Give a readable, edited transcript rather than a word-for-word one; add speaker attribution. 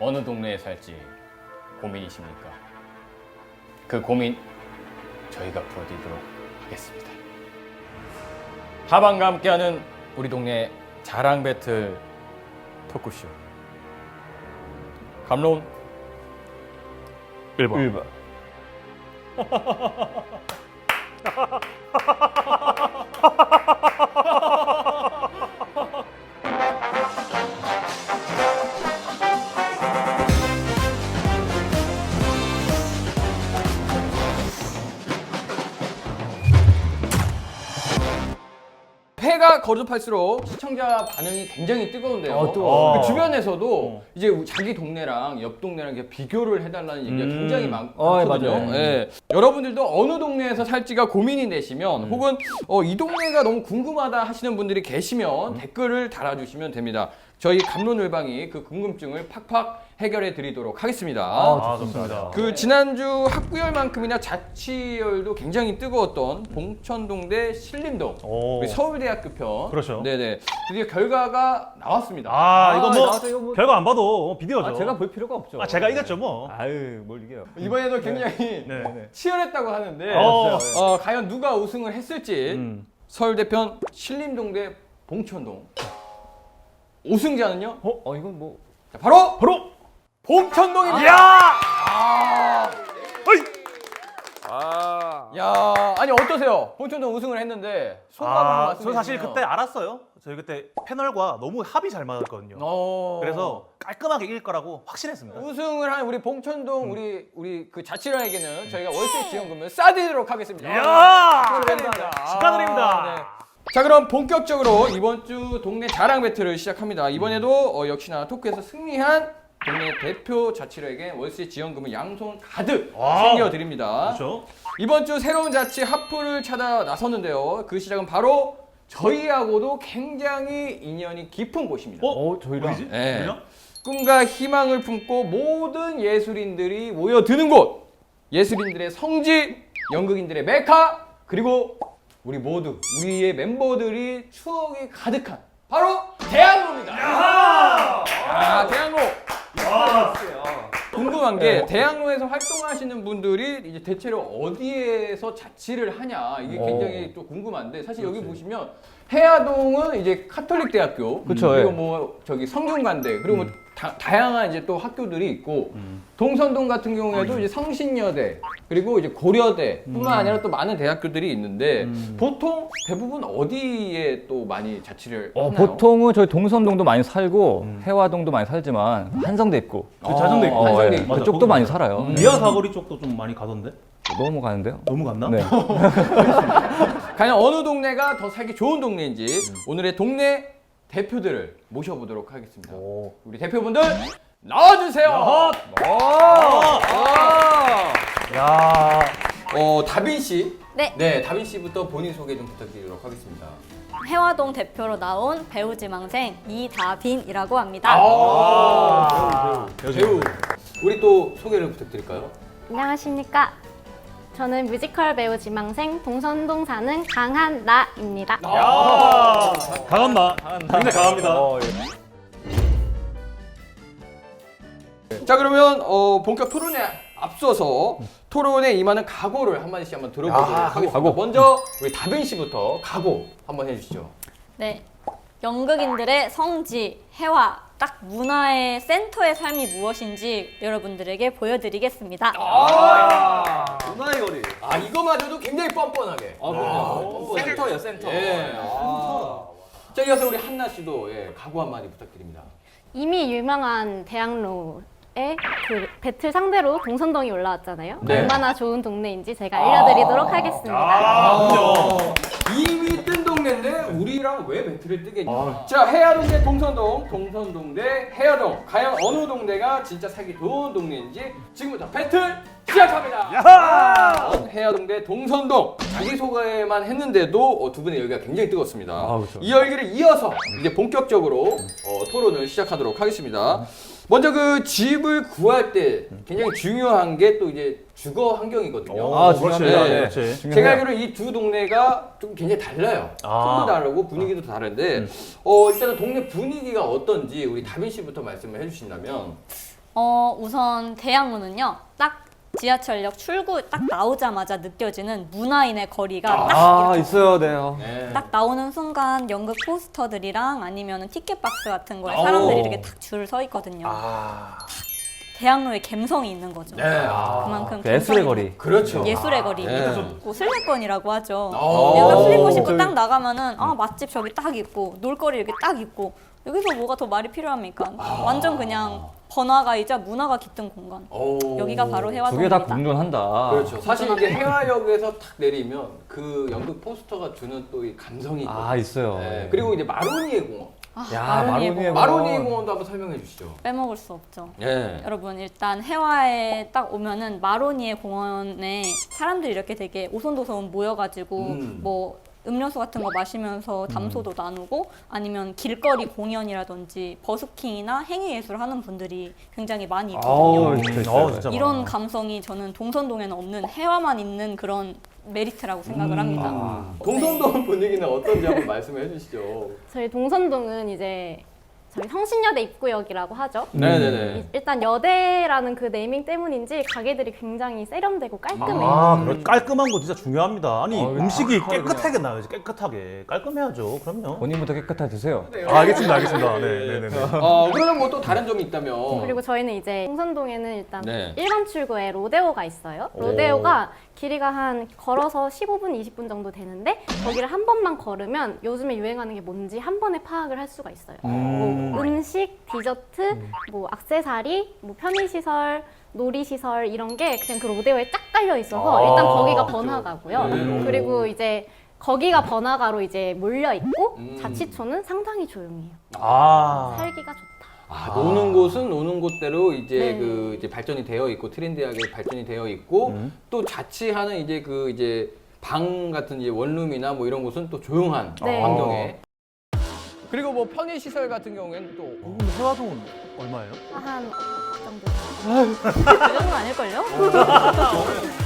Speaker 1: 어느 동네에 살지 고민이십니까? 그 고민 저희가 풀어드리도록 하겠습니다. 하방과 함께하는 우리 동네 자랑 배틀 토크쇼. 감론
Speaker 2: 1번.
Speaker 1: 회가 거듭할수록 시청자 반응이 굉장히 뜨거운데요.
Speaker 2: 뜨거워.
Speaker 1: 그 주변에서도 이제 자기 동네랑 옆 동네랑 이렇게 비교를 해달라는 얘기가 굉장히 많거든요.
Speaker 2: 맞아요.
Speaker 1: 예. 여러분들도 어느 동네에서 살지가 고민이 되시면 혹은 이 동네가 너무 궁금하다 하시는 분들이 계시면 댓글을 달아주시면 됩니다. 저희 감론을방이 그 궁금증을 팍팍 해결해 드리도록 하겠습니다.
Speaker 2: 좋습니다.
Speaker 1: 그 지난주 학구열만큼이나 자치열도 굉장히 뜨거웠던 봉천동 대 신림동 우리 서울대학교 편.
Speaker 2: 그렇죠.
Speaker 1: 네네. 드디어 결과가 나왔습니다.
Speaker 2: 이거 뭐
Speaker 3: 나와서 이거 뭐-
Speaker 2: 결과 안 봐도 비디오죠.
Speaker 3: 제가 볼 필요가 없죠.
Speaker 2: 제가 이겼죠 뭐.
Speaker 3: 아유, 뭘 이겨요.
Speaker 1: 이번에도 굉장히
Speaker 2: 네.
Speaker 1: 치열했다고 하는데
Speaker 2: 어.
Speaker 1: 과연 누가 우승을 했을지 서울대편 신림동 대 봉천동 우승자는요?
Speaker 3: 이건 뭐
Speaker 1: 자, 바로
Speaker 2: 바로
Speaker 1: 봉천동입니다. 야, 아니 어떠세요? 봉천동 우승을 했는데 소감 한번 말씀해
Speaker 2: 저 사실
Speaker 1: 주시면.
Speaker 2: 그때 알았어요. 저희 그때 패널과 너무 합이 잘 맞았거든요. 그래서 깔끔하게 이길 거라고 확신했습니다.
Speaker 1: 우승을 한 우리 봉천동 우리 그 자치라에게는 저희가 월세 지원금을 싸드리도록 하겠습니다.
Speaker 2: 이야!
Speaker 1: 축하드립니다.
Speaker 2: 축하드립니다.
Speaker 1: 네. 자, 그럼 본격적으로 이번 주 동네 자랑 배틀을 시작합니다. 이번에도 역시나 토크에서 승리한 동네 대표 자치로에게 월세 지원금을 양손 가득 챙겨드립니다.
Speaker 2: 그렇죠.
Speaker 1: 이번 주 새로운 자치 하프를 찾아 나섰는데요. 그 시작은 바로 저희하고도 굉장히 인연이 깊은 곳입니다.
Speaker 3: 저희랑
Speaker 2: 어디지?
Speaker 1: 네.
Speaker 2: 어디냐?
Speaker 1: 꿈과 희망을 품고 모든 예술인들이 모여드는 곳, 예술인들의 성지, 연극인들의 메카, 그리고 우리의 멤버들이 추억이 가득한 바로 대학로입니다. 대학로. 궁금한 게 대학로에서 활동하시는 분들이 이제 대체로 어디에서 자취를 하냐 이게 굉장히 또 궁금한데 사실 여기 보시면 해화동은 이제 카톨릭 대학교
Speaker 3: 그쵸,
Speaker 1: 그리고
Speaker 3: 예.
Speaker 1: 뭐 저기 성균관대 그리고 뭐 다양한 이제 또 학교들이 있고 동선동 같은 경우에도 이제 성신여대 그리고 이제 고려대뿐만 아니라 또 많은 대학교들이 있는데 보통 대부분 어디에 또 많이 자취를 하나요?
Speaker 3: 보통은 저희 동선동도 많이 살고 해화동도 많이 살지만 한성대 있고
Speaker 2: 자정도 있고.
Speaker 1: 한성대
Speaker 3: 예.
Speaker 1: 있고.
Speaker 3: 그쪽도 많이 살아요.
Speaker 2: 미아 사거리 쪽도 좀 많이 가던데.
Speaker 3: 너무 가는데요?
Speaker 2: 너무 갔나?
Speaker 3: 네.
Speaker 1: 과연 어느 동네가 더 살기 좋은 동네인지 오늘의 동네 대표들을 모셔보도록 하겠습니다. 우리 대표분들 나와주세요.
Speaker 2: 야.
Speaker 1: 다빈 씨.
Speaker 4: 네.
Speaker 1: 다빈 씨부터 본인 소개 좀 부탁드리도록 하겠습니다.
Speaker 4: 해화동 대표로 나온 배우 지망생 이다빈이라고 합니다.
Speaker 1: 배우. 우리 또 소개를 부탁드릴까요?
Speaker 5: 안녕하십니까. 저는 뮤지컬 배우 지망생 동선동 사는 강한나입니다.
Speaker 2: 강한나. 근데 강합니다.
Speaker 1: 자, 그러면 본격 토론에 앞서서 토론에 임하는 각오를 한마디씩 한번 들어보도록 하겠습니다. 먼저 우리 다빈 씨부터 각오 한번 해주시죠.
Speaker 4: 네. 연극인들의 성지, 해화, 딱 문화의 센터의 삶이 무엇인지 여러분들에게 보여드리겠습니다.
Speaker 1: 문화의 거리. 이거마저도 굉장히 뻔뻔하게.
Speaker 3: 센터예요, 센터.
Speaker 1: 예. 자, 이어서 우리 한나 씨도 각오 한마디 부탁드립니다.
Speaker 5: 이미 유명한 대학로에 그 배틀 상대로 동선동이 올라왔잖아요.
Speaker 1: 네.
Speaker 5: 얼마나 좋은 동네인지 제가 알려드리도록 하겠습니다.
Speaker 1: 이미 뜬 동네인데 우리랑 왜 배틀을 뜨겠냐. 자, 해화동 대 동선동, 동선동 대 해화동. 과연 어느 동네가 진짜 살기 좋은 동네인지 지금부터 배틀 시작합니다. 해화동 대 동선동. 자기소개만 했는데도 두 분의 열기가 굉장히 뜨겁습니다.
Speaker 3: 그렇죠.
Speaker 1: 이 열기를 이어서 이제 본격적으로 토론을 시작하도록 하겠습니다. 먼저 그 집을 구할 때 굉장히 중요한 게 또 이제 주거 환경이거든요.
Speaker 2: 그렇지.
Speaker 1: 네.
Speaker 2: 그렇지.
Speaker 1: 제가 알기로 이 두 동네가 좀 굉장히 달라요. 톤도 다르고 분위기도 다른데 일단은 동네 분위기가 어떤지 우리 다빈 씨부터 말씀을 해주신다면.
Speaker 4: 우선 대학로는요. 딱 지하철역 출구 딱 나오자마자 느껴지는 문화인의 거리가 딱
Speaker 3: 있어요, 네.
Speaker 4: 딱 나오는 순간 연극 포스터들이랑 아니면 티켓 박스 같은 거에 사람들이 이렇게 딱 줄 서 있거든요. 대학로에 감성이 있는 거죠.
Speaker 1: 네.
Speaker 4: 그만큼
Speaker 3: 그 예술의
Speaker 4: 감성이
Speaker 3: 거리.
Speaker 1: 그렇죠.
Speaker 4: 예술의 거리.
Speaker 1: 네.
Speaker 4: 뭐 슬리권이라고 하죠.
Speaker 1: 오.
Speaker 4: 내가 슬리권 신고 딱 나가면은 맛집 저기 딱 있고 놀거리 이렇게 딱 있고 여기서 뭐가 더 말이 필요합니까? 완전 그냥 번화가이자 문화가 깃든 공간.
Speaker 1: 오.
Speaker 4: 여기가 바로
Speaker 3: 두 개
Speaker 4: 해화동입니다.
Speaker 3: 다 공존한다.
Speaker 1: 그렇죠. 사실 이게 해화역에서 탁 내리면 그 연극 포스터가 주는 또 이 감성이 있거든요.
Speaker 3: 있어요.
Speaker 1: 네. 그리고 이제 마로니에 공원.
Speaker 4: 마로니에 공원.
Speaker 1: 마로니에 공원도 한번 설명해 주시죠.
Speaker 4: 빼먹을 수 없죠.
Speaker 1: 예.
Speaker 4: 여러분 일단 해화에 딱 오면은 마로니에 공원에 사람들이 이렇게 되게 오손도손 모여가지고 뭐 음료수 같은 거 마시면서 담소도 나누고 아니면 길거리 공연이라든지 버스킹이나 행위예술 하는 분들이 굉장히 많이 있거든요.
Speaker 2: 진짜
Speaker 4: 이런
Speaker 2: 많아.
Speaker 4: 감성이 저는 동선동에는 없는 해화만 있는 그런 메리트라고 생각을 합니다.
Speaker 1: 동선동 분위기는 어떤지 한번 말씀해 주시죠.
Speaker 5: 저희 동선동은 이제 저희 성신여대 입구역이라고 하죠.
Speaker 1: 네네네.
Speaker 5: 일단 여대라는 그 네이밍 때문인지 가게들이 굉장히 세련되고 깔끔해요.
Speaker 2: 깔끔한 거 진짜 중요합니다. 아니 음식이
Speaker 3: 깔끔하게
Speaker 2: 깨끗하게 나와야지. 깨끗하게 깔끔해야죠. 그럼요.
Speaker 3: 본인부터 깨끗하게 드세요.
Speaker 2: 알겠습니다. 네네네.
Speaker 1: 그러면 뭐 또 다른 점이 있다면.
Speaker 5: 그리고 저희는 이제 동선동에는 일단
Speaker 1: 네.
Speaker 5: 1번 출구에 로데오가 있어요. 로데오가 길이가 한 걸어서 15분, 20분 정도 되는데 거기를 한 번만 걸으면 요즘에 유행하는 게 뭔지 한 번에 파악을 할 수가 있어요. 뭐 음식, 디저트, 뭐 액세서리, 뭐 편의시설, 놀이시설 이런 게 그냥 그 로데오에 쫙 깔려 있어서 일단 거기가 번화가고요. 그리고 이제 거기가 번화가로 이제 몰려 있고 자치초는 상당히 조용해요. 살기가 좋다.
Speaker 1: 노는 곳은 노는 곳대로 이제
Speaker 5: 네.
Speaker 1: 그 이제 발전이 되어 있고 트렌디하게 발전이 되어 있고 또 자취하는 이제 그 이제 방 같은 이제 원룸이나 뭐 이런 곳은 또 조용한
Speaker 5: 네.
Speaker 1: 환경에. 그리고 뭐 편의 시설 같은 경우에는 또
Speaker 2: 해화동은 얼마예요?
Speaker 5: 한 정도.
Speaker 4: 그 정도는 아닐걸요?